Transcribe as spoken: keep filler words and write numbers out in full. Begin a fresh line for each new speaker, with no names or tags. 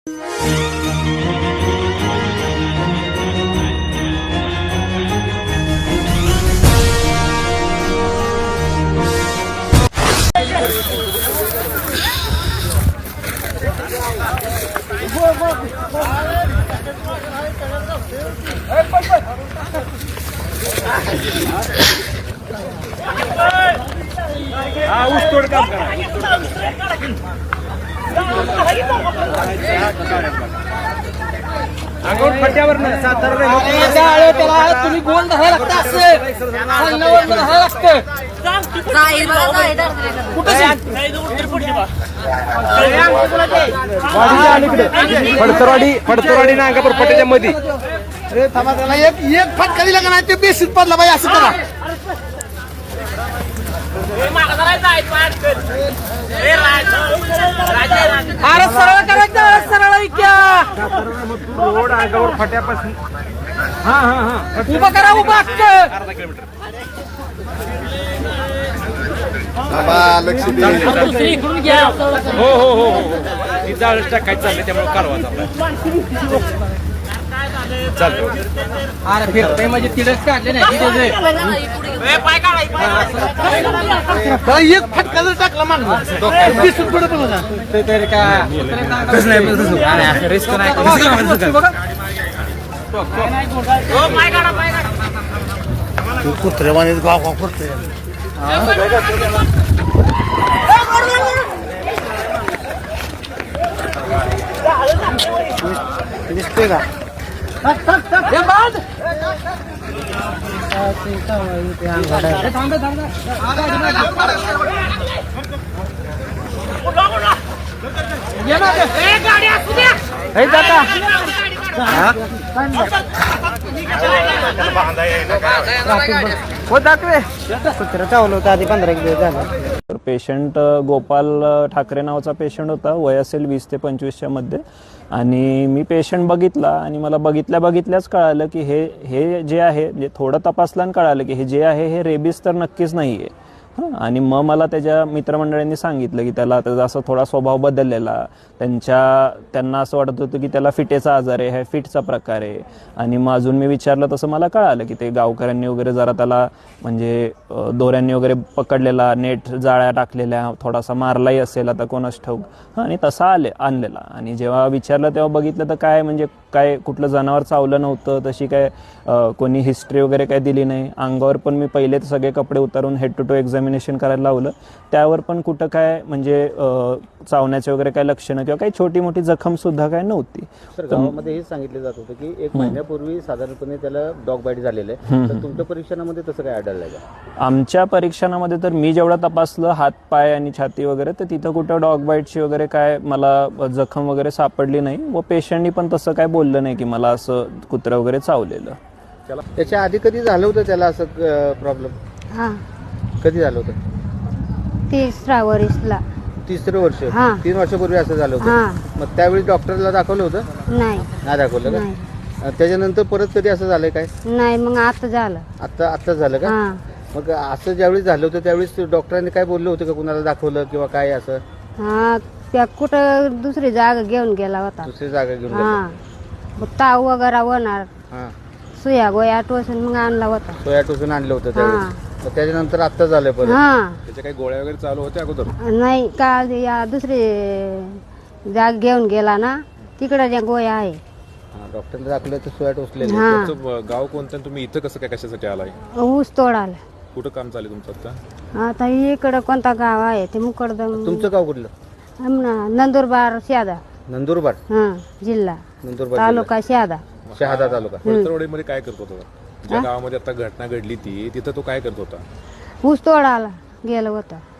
हा ऊस तोड काम करा. अंगावर फट्यावर नाही सातारा
तुम्ही गोल धरायला लागतं असं सांगण्यावर धरायला लागतं.
फडतरवाडी फडतरवाडी ना अंगापूर फट्याच्या मध्ये
एक एक फटका दिला का नाही ते बेसिक पडला पाहिजे असं करा. अरे सरळ करायचं सरळ ऐक्या
रोड अंगावर फट्यापासून हा हा हा
उभा करा उभा
अर्धा किलोमीटर हो हो हो हो ती जाळच टाकायचं चाललंय त्यामुळे कालवा चालतो.
अरे फिरतय म्हणजे तिडच काढले नाही एक फटका जर टाकला मागला तरी का रिस्क नाही कुत्र्यावाने गाव गाव करतोय. दिसतोय का आधी पंधरा किलो झालं.
तर पेशंट गोपाल ठाकरे नावाचा पेशंट होता. वय असेल वीस ते पंचवीसच्या मध्ये. आणि मी पेशंट बघितला आणि मला बघितल्या बघितल्याच कळालं की हे हे जे आहे म्हणजे थोडं तपासल्यानं कळालं की हे जे आहे हे रेबीज तर नक्कीच नाही आहे. हां आणि मग मला त्याच्या मित्रमंडळींनी सांगितलं की त्याला त्याचा असा थोडा स्वभाव बदललेला, त्यांच्या त्यांना असं वाटत होतं की त्याला फिटेचा आजार आहे, हा फिटचा प्रकार आहे. आणि मग अजून मी विचारलं तसं मला कळालं की ते गावकऱ्यांनी वगैरे जरा त्याला म्हणजे दोऱ्यांनी वगैरे पकडलेला, नेट जाळ्या टाकलेल्या, थोडासा मारलाही असेल आता कोणास ठाऊक. हां आणि तसा आले आणलेला. आणि जेव्हा विचारलं तेव्हा बघितलं तर काय म्हणजे काय कुठलं जनावर चावलं नव्हतं, तशी काय कोणी हिस्ट्री वगैरे काय दिली नाही. अंगावर पण मी पहिले सगळे कपडे उतारून हेड टू टो एक्झामिनेशन करायला लावलं, त्यावर पण कुठं काय म्हणजे चावण्याचे वगैरे काय लक्षणं किंवा काही छोटी मोठी जखम सुद्धा काय नव्हती.
तर गावामध्ये हेच सांगितलं जात होतं की एक महिन्यापूर्वी साधारणपणे त्याला डॉग बाईट झालेलं आहे. तर तुमच्या परीक्षणामध्ये तसं काय आढळलंय का?
आमच्या परीक्षणामध्ये तर मी जेवढं तपासलं हात पाय आणि छाती वगैरे, तर तिथं कुठं डॉग बाईटची वगैरे काय मला जखम वगैरे सापडली नाही. व पेशंटनी पण तसं काय बोललं नाही की मला असं कुत्रं वगैरे चावलेलं.
त्याच्या आधी कधी झालं होतं त्याला असं प्रॉब्लेम?
हा
कधी झालं होतं?
तिसरा वर्षला.
तिसरं वर्ष?
हा.
तीन वर्षापूर्वी असं झालं
हा.
होतं. मग त्यावेळी डॉक्टरला दाखवलं होतं?
नाही
नाही दाखवलं
नाही
का? त्याच्यानंतर परत कधी असं झालंय काय?
नाही मग आता झालं.
आता आत्ताच झालं का?
हा
मग असं ज्यावेळी झालं होतं त्यावेळेस डॉक्टरांनी काय बोललं होतं का, कुणाला दाखवलं किंवा काय असं?
हा त्या कुठं दुसरी जागा घेऊन गेला होता.
दुसरी जागा घेऊन
हा
गेला?
मग ताव वगैरे होणार,
हा.
सुया गोया टोचून मग आणला होता.
सोया टोचून आणलं होतं त्यावेळेस. मग त्याच्यानंतर आता झालं परत?
हा
त्याच्या काही गोळ्या वगैरे चालू होत्या अगोदर?
नाही का या दुसरी जागा घेऊन गेला ना, तिकडे त्या गोया आहे.
डॉक्टरने दाखवलं तर सोया टोचलेली.
हा
तुमचं गाव कोणतं? तुम्ही इथं कसं काय कशासाठी आलाय?
ऊस तोडायला.
कुठं काम चालू आहे तुमचं आता?
आता इकडं कोणता गाव आहे ते मुकडदम.
तुमचं गाव कुठलं?
नंदुरबार शहादा.
नंदुरबार
हा जिल्हा,
नंदुरबार
तालुका शहादा.
जिल्हा. शहादा तालुका.
फडतरवाडीमध्ये काय करत होता? ज्या गावामध्ये आता घटना घडली ती तिथं तो काय करत होता?
ऊस तोडायला गेलं होतं.